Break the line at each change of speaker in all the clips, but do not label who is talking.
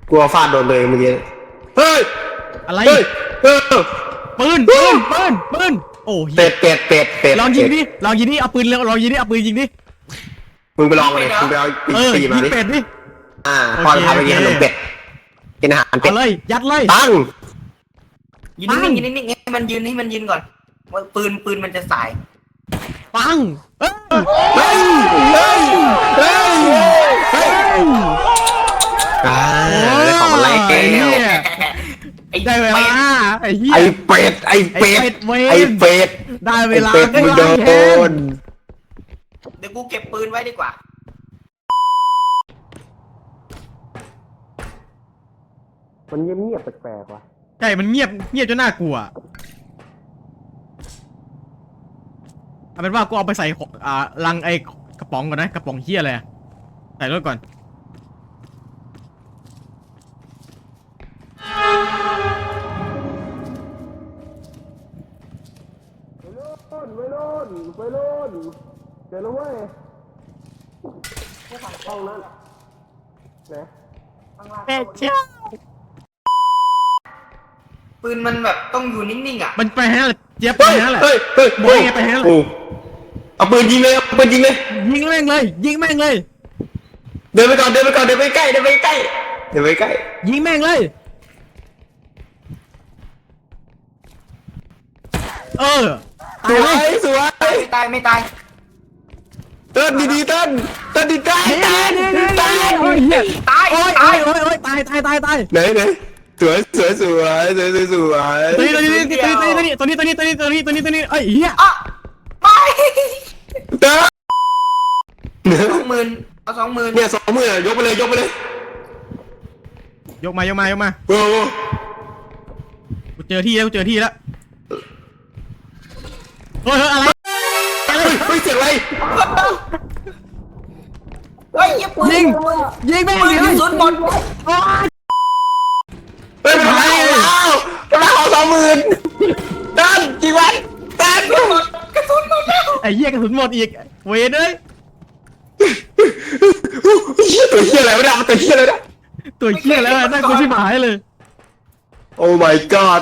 กลัวฟาดโดนตัวเองเมื่อกี้เฮ้ย
อะไร
เฮ้ย
ปืนโอ้ย
เป็ด
ลองยิงดิลองยิงดิเอาปืนลองยิงดิเอาปืนยิงดิ
มึงไปลองเลยมึงไปเอาปีมาดิ
เป็ดดิ
พอจะพาไปกินขนมเป็ดกินอาหารเป็ด
เลยยัดเลย
ตั้ง
ยืนนิ่งให้มันยืนก่อนปืนมันจะสาย
ปัง
เฮ้ยได้ของอะไร
ได้เวลาไ
อ้เป็ด
ได้เวลา
มึงโดน
เดี๋ยวกูเก็บปืนไว้ดีกว่า
มันเงียบแปลกๆว่ะ
ใช่มันเงียบจนน่ากลัวเอาเป็นว่ากูเอาไปใส่ลังไอ้กระป๋องก่อนนะกระป๋องเหี้ยอะไรใส่รถก่อน
ไปรุ่นเจอแล้วเว้ยห้องนั้น
เป็ดเจ้า
ปืนมันแบบต้องอยู่นิ่งๆอ่ะ
มันไปฮะเจี๊ยบไปฮะแหละบอยไงไปฮะ
เอาปืนยิงเลยยิงแ
ม่งเลย
เดินไปก่อนเดินไปใกล้
ยิงแม่งเลย
สวย
ไม่ตาย
เต้นดีตาย
โอ้ยตาย
ไหนสวยตัว
นี้ไอ้เหี้ย
ไป
เต้น
เอา20,000
เนี่ย20,000ยกไปเลย
ยกมา
โอ้
กูเจอที่แล้วเฮ้ยอะไร
เสียงอะไร
ยิงแม่ง
ปืนกระสุนหมด
มันหายแล้วเอา20,000ตั้นกี่วันตั้น
กระสุนหมดแล้ว
ไอ้เหี้ยกระสุนหมดอีกเวรเลย
ตัวเหี้ยอะไรไม่ได้ตัวเหี้ยอะไรนะ
ตัวเหี้ยแล้วน่ากลัวชิบหายเลย
โอ้ my god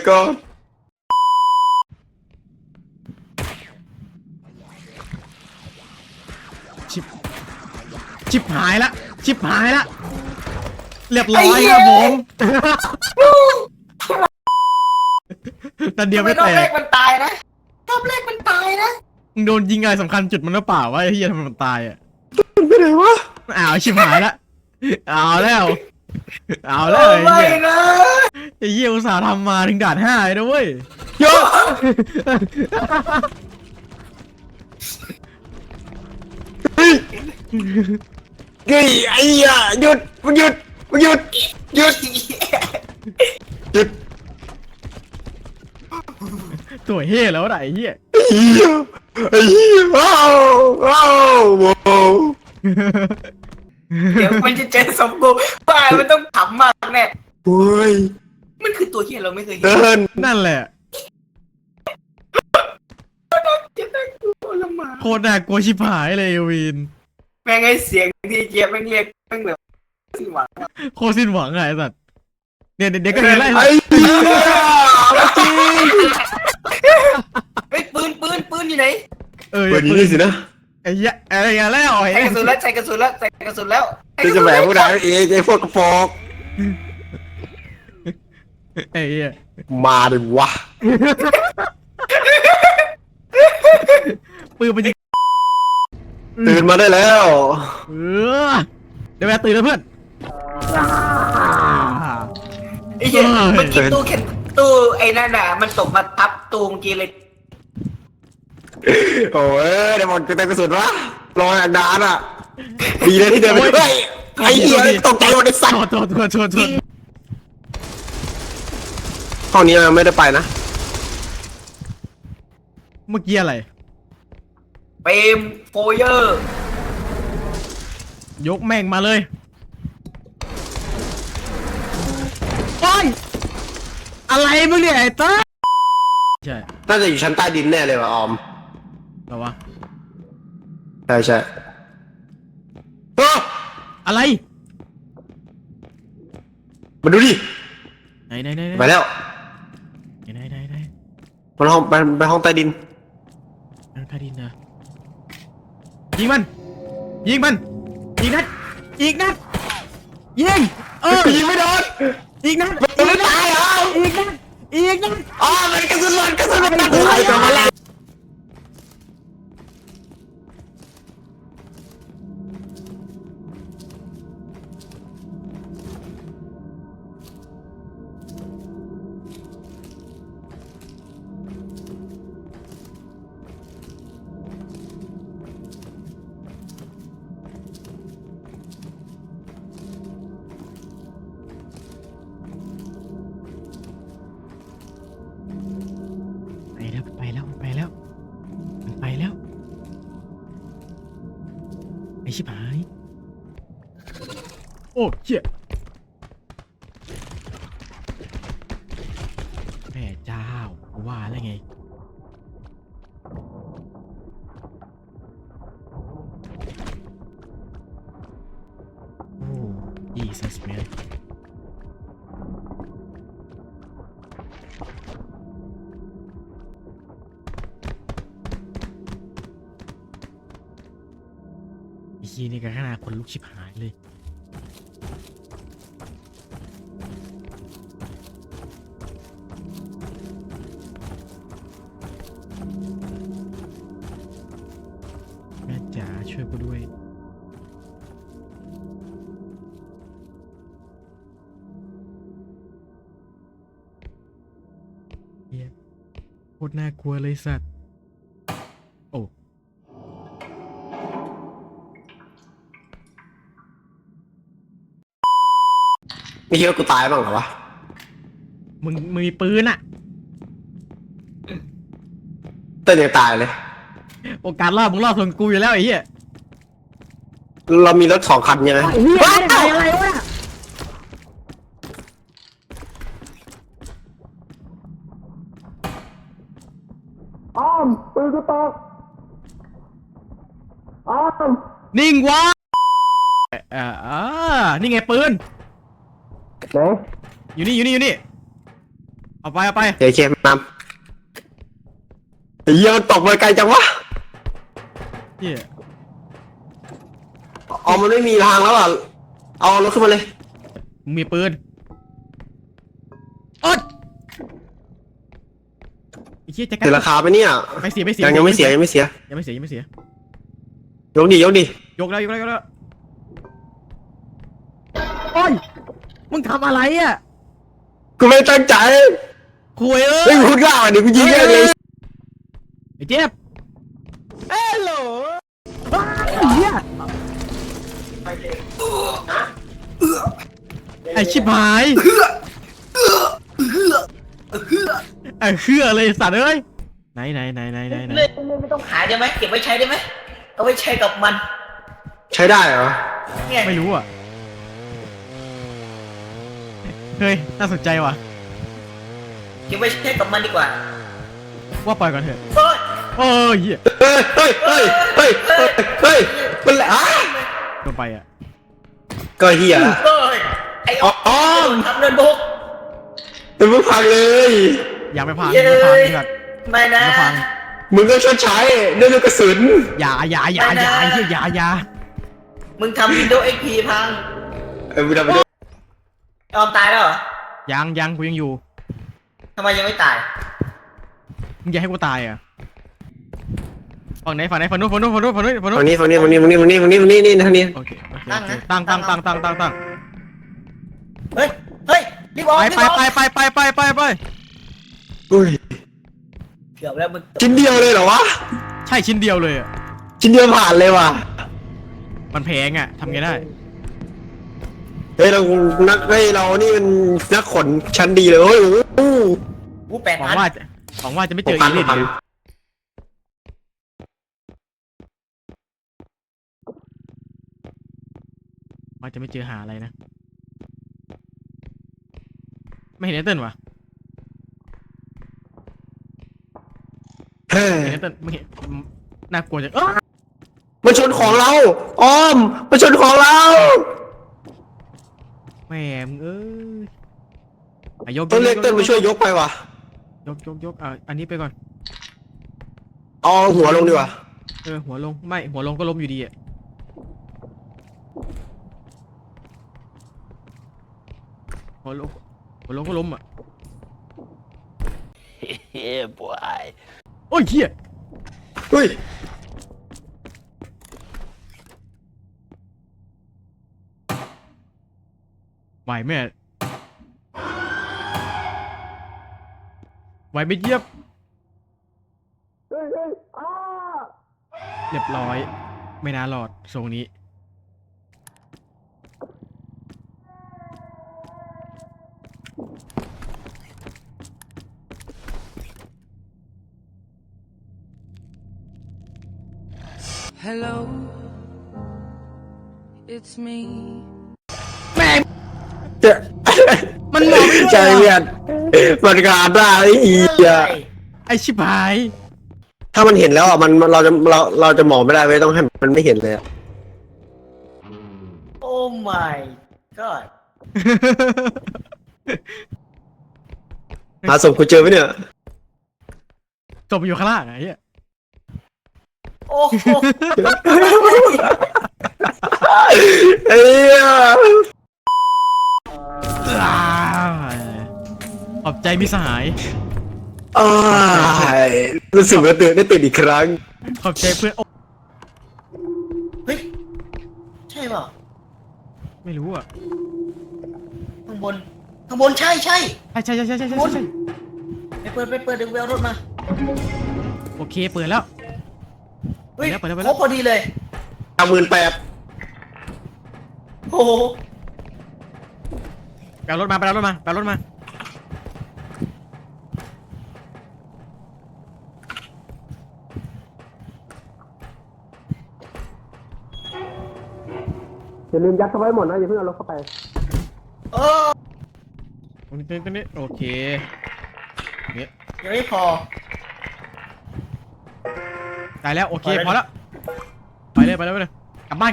ชิบหายละเรียบร้อยครับผมแต่เดียวไม่แตก
รอบแรกมันตายนะ
มึงโดนยิงอะไรสำคัญจุดมันหรือเปล่าวะไอ้เหี้ยทำไมมันตายอ่ะ
ไปไหนวะ
ชิบหายละเอาแล้วไอ้เหี้ยอุตส่าห์ทำมาถึงด่าน5เลยนะเว้ย
โยเฮ้ยไอ้เหี้ยหยุด
ตัวเฮ่แล้วไอ้เหี้ย
ว้าว
เดี๋ยวมันจะเจอสมกูบ้ามันต้องขำมากแน่
โอ้ย
มันคือตัวที่เราไม่เคยเห็
น
นั่นแหละโคตรน่ากลัวชิบหายเลยวิน
แม่งไอ้เสียงที่เจี๊ยบแม่งเรียกแม่งแบบสิ้นหวัง
โคตรสิ้นหวังไงสัตว์เนี่ยเด็กก็เห็นไล่
ไอ้เหี้ยจริง
ไอ้ปืนอยู่ไหน
ปืนนี้สินะ
ไอ้เหี้ยอะไรกันแล้ว
ใส่กระสุนแล้ว
จะแหวกพวกนั้นไอ้พวกกระฟอก
ไอ้เหี้ย
มาดิวะ
ปืนมันยิง
ตื่นมาได้แล้ว
เดี๋ยวแม่ตื่นแล้วเพื่อน
ไอ้เหี้ยเมื่อกี้ตู้ไอ้นั่นน่ะมันตกมาทับตู้เมื่อกี้เลย
โอ้ยเดี๋ยวหมดจะเต็มกระสุนวะรออย่างนานอ่ะดีเลยที่เดินไปด้วยไอ้เหี้ยตกใจหมดไอ้สัตว์
โทษ
ห้องนี้ไม่ได้ไปนะ
เมื่อกี้อะไร
เปมโฟเยอร์
ยกแม่งมาเลยโอ้ยอะไรมึงเนี่ยไอ้ต้าใช่
น่าจะอยู่ชั้นใต้ดินแน่เลยว่ะออม
หรอวะ
ใช่
อะไร
มาดูดิ
ไหนไหนไหน
ไปแล้ว
ไหนไหนไหน
มันห้องไปห้องใต้ดิน
นั่งใต้ดินนะยิงมันยิงมันอีกนัดอีกนัดยิง
ยิงไม่โดน
อีกนัด
มันไม่ตายเหรอ
อีกนัดอีกนัด
อ๋อมันกระสุนหล่นกระสุนหล่นใครจะมาเล่น
ไปแล้วไปแล้วไปแล้วไอชิบหายโอ้เจี๊ยแม่เจ้าว่าแล้วไงโอ้ Jesus man อีนี่ก็ขนาดคนลุกชิบหายเลยแม่จ๋าช่วยกูด้วยเฮียโคตรน่ากลัวเลยสัตว์โอ้
ไม่คิดว่ากูตายบ้างเหรอวะ
มึงมีปืนอะ
เต้นยังตายเลย
โอกาสรอดมึงรอดส่วนกูอยู่แล้วไอ้เหี้ย
เรามีรถ2 คันใช่ไหม
ว้าวอะไรวะ
อ้อมปืนกูตกอ้อม
นิ่งวะนี่ไงปืน
ไหน
อยู่นี่เอาไป
เดี๋ยวเชฟนำเหี้ยมันตกไปไกลจังวะ
เหี้ย
อ๋อมันไม่มีทางแล้วอ่ะเอารถขึ้นมาเลย
มึงมีปืนอดไอ้เหี้ยจะกั
เสียราคาไปเนี่ย
ไม่เสีย
ยังไม่เสีย
ยังไม่เสีย
ยกดิ
ยกแล้ว
ยก
โอ้ยมึงทำอะไรอ่ะ
กูไม่ตั้งใจ
คุย
ไม่พูดกล้าเดี๋ยวกูยิงแม่งเลย
ไอ้เจี๊ยบเฮ้ยโหลเหี้ยไอ้ชิบหายไอ้เชื่อเลยสัตว์เอ้ยไหน
ไม่ต้องขายได้ไหมเก็บไว้ใช้ได้ไหมเอาไว้ใช้กับมัน
ใช้ได้เหรอ
เนี่ย
ไม่รู้อ่ะเฮ้ยน่าสนใจว่ะ
เก็บไว้ใช้กับมันดีกว่า
ว่าปล่อยก่อนเถอะ
เฮ้ย
โอ้ยเหี้ย
เฮ้ยมันแหละ
ลงไปอ่ะ
ก็เหี้ย
เฮ้ยไอ้ออมทำเดินบุก
เป็นมึงพังเลย
อย่าไปพัง
เย้
อย่าไปพังนี่แบบ
ไม่นะ
อย่าพัง
มึงก็ชดใช้ด้วยลูกกระสุน
อย่าไอ้เหี้ยอย่า
มึงทำ Windows XP พัง
มึงทำไปด้วย
ออมตายแล้วเหรอ
ยังกูยังอยู่
ทำไมยังไม่ตาย
มึงอย่าให้กูตายอ่ะฝั่งไหนฝั่งนู้น
ฝั่งนี้นี่ทางนี้
โอเคตั้ง
เฮ้ยรีบออกรีบออก
ไป
อุ้ย
เกือบแล้วมึง
ชิ้นเดียวเลยเหรอวะ
ใช่ชิ้นเดียวเลยอ่ะ
ชิ้นเดียวผ่านเลยว่ะ
มันแพงอ่ะทำไงได้
เฮ้ยเรานี่มันนักขนชั้นดีเลยเฮ้ย
กู
หวัง
8,000
ว่าจะไม่เจออีลิทเลยว่าจะไม่เจอหาอะไรนะไม่เห็นไอ้เติ้ลวะ
เฮ้ย
เห็นไอ้เติ้ลไม่เห็นน่ากลัวจัง
มันชนของเราอ้อมมันชนของเรา
แหม่มึงเอ้ยอ่ะยก
ต้องเรียกเติ้ลมาช่วยยกไปว่ะ
ยกอันนี้ไปก่อน
เอาหัวลงดีกว่า
หัวลงไม่หัวลงก็ล้มอยู่ดีอ่ะหัวลงก็ล้มอ่ะ
Yeah, boy.
โอ้ยเหี้ย
เฮ้ย
ไหวแม่ไหวไม่เยียบเรียบร้อย ไม่น่ารอดทรงนี้
Hello, it's me.
เจ๊มันมองไม่ใช่เพื่อนมันขาดได้ไอ้เหี้ย
ไอชิบหาย
ถ้ามันเห็นแล้วอ่ะมันเราจะมองไม่ได้เว้ยต้องให้มันไม่เห็นเลยอะ
โอ้ my god
หาศพกูเจอไหมเนี่ย
จบอยู่ข้างล่างไอ้เหี้ย
โอ้โห
ไอ้เหี้ย
ขอบใจมิสหาย
อ้ายรู้สึกว่าได้ตื่นอีกครั้ง
ขอบใจเพื่อนโอ้
เฮ้ยใช่เปล่า
ไม่รู้อ่ะ
ข้างบนใช่
ใช่
ไปเปิดดึงแววรถมา
โอเคเปิดแล้ว
เฮ้ย
ไปแล้ว
ครบพอดีเลย
18,000
โอ้โห
ไปเอารถมา
อย่าลืมยัดเข้าไว้หมดนะอย่าเพิ่งเอารถเข้าไป
เออ
ตรงนี้โอเคเนี่ย
ยังไม่พอ
ตายแล้วโอเค
ไปเลย
พอแล้วไปเลยกลับบ้าน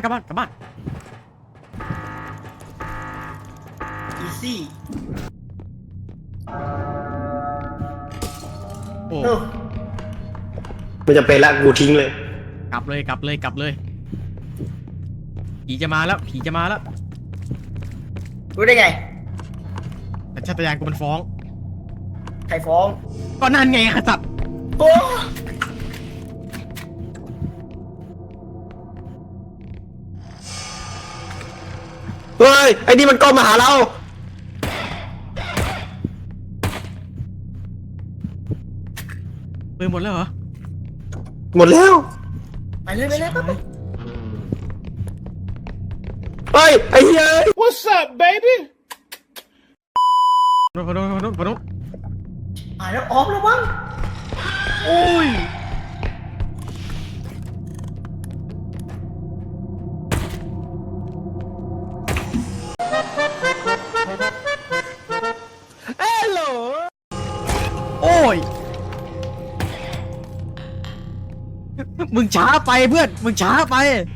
อีซี่
โอ้
มันจะเป็นละกูทิ้งเลย
กลับเลยผีจะมาแล้ว
รู้ได้ไง
แต่ชาตญาณกูมันฟ้อง
ใครฟ้อง
ก็นั่นไงขจัด
โอ้
เฮ้ยไอ้นี่มันก็มาหาเรา
ปืนหมดแล้วเหรอ
หมดแล้ว
ไปเลยไป
เฮ้ยไอ้เหี้ย
What's up, baby?
พอโดน
แล้วออฟแล้วมั้ง
โอ้ยโอ้ยมึงช้าไปเพื่อนมึงช้าไป